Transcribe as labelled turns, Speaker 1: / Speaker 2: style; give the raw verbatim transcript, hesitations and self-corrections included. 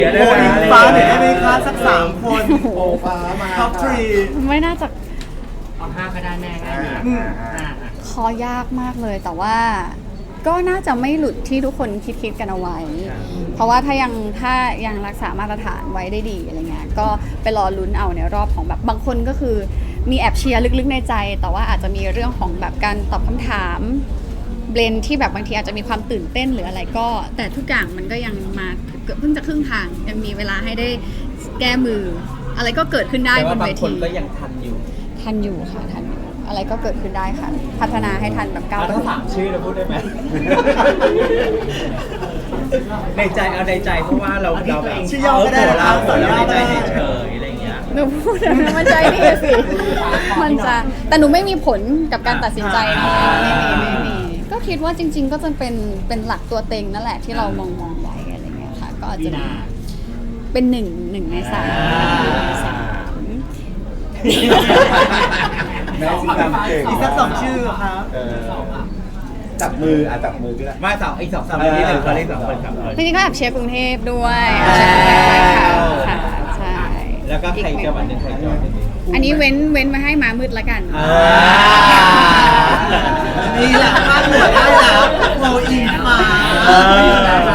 Speaker 1: โบอิงฟ้าหน่อยได้ไหมคะสักสามคนโบฟ้ามาท็อปทรี
Speaker 2: ไม่น่าจะ
Speaker 3: เอาห้าก็ได้แม่ง่ายดีห้า
Speaker 2: คอยากมากเลย แต่ว่าก็น่าจะไม่หลุดที่ทุกคนคิดคิดกันเอาไว้ เพราะว่าถ้ายังถ้ายังรักษามาตรฐานไว้ได้ดีอะไรเงี้ยก็ไปรอลุ้นเอาในรอบของแบบบางคนก็คือมีแอบเชียร์ลึกๆในใจ แต่ว่าอาจจะมีเรื่องของแบบการตอบคำถามเบลนที่แบบบางทีอาจจะมีความตื่นเต้นหรืออะไรก็ แต่ทุกอย่างมันก็ยังมาเกือบเพิ่งจะครึ่งทางยังมีเวลาให้ได้แก้มือ อะไรก็เกิดขึ้นได้
Speaker 4: แต่
Speaker 2: บ
Speaker 4: ว่าน บา
Speaker 2: เว
Speaker 4: งคน
Speaker 2: ที
Speaker 4: ก็ยังทันอยู่
Speaker 2: ทันอยู่ค่ะทันอยู่อะไรก็เกิดขึ้นได้ค่ะ พัฒนาให้ทันแบบก้าว
Speaker 4: เอา
Speaker 2: ไป
Speaker 4: ทั้งสามชื่อเราพูดได้ไหม ในใจเอาในใจเพราะว่าเราเราแบบ
Speaker 1: ชื่อย่อก็ได้
Speaker 4: เออ
Speaker 1: นะ
Speaker 4: เรา
Speaker 1: ต่อย่อ
Speaker 4: ในใจ
Speaker 1: ได้
Speaker 4: เฉยๆอะไรอย่างเงี้ย
Speaker 2: หนูพูดแล้วนะมันใจดีสิ มันจะแต่หนูไม่มีผลกับการตัดสินใจนะไม่มีไม่มีก็คิดว่าจริง ๆ ก็จะเป็นเป็นหลักตัวเต็งนั่นแหละที่เรามองมองไว้อะไรเงี้ยค่ะ ก็อาจ
Speaker 3: ดี
Speaker 2: จะมี
Speaker 3: นา
Speaker 2: เป็นหนึ่งหนึ่งในสาม
Speaker 5: แม่สิทำเก่ง
Speaker 1: อีกสักสองชื่อครับ
Speaker 5: เออจับมืออ่ะจับมือก็ได้
Speaker 4: มาสองอีกสองสามคนที่หนึ่งเขาเรียกสองคนครับ
Speaker 2: จริงๆก็แอบเชียร์กรุงเทพด้วยแอบเชียร์กรุงเทพด้วยค่ะค่ะใช่
Speaker 4: แล้วก็ใครจังหวัดหนึ่งใครจังหวัดหนึ่ง
Speaker 2: อันนี้เว้นเว้นมาให้มามืดละกัน
Speaker 4: อ่า
Speaker 1: นี่แหละพาดหัวได้แล้วโบอิงฟ้า
Speaker 4: เออ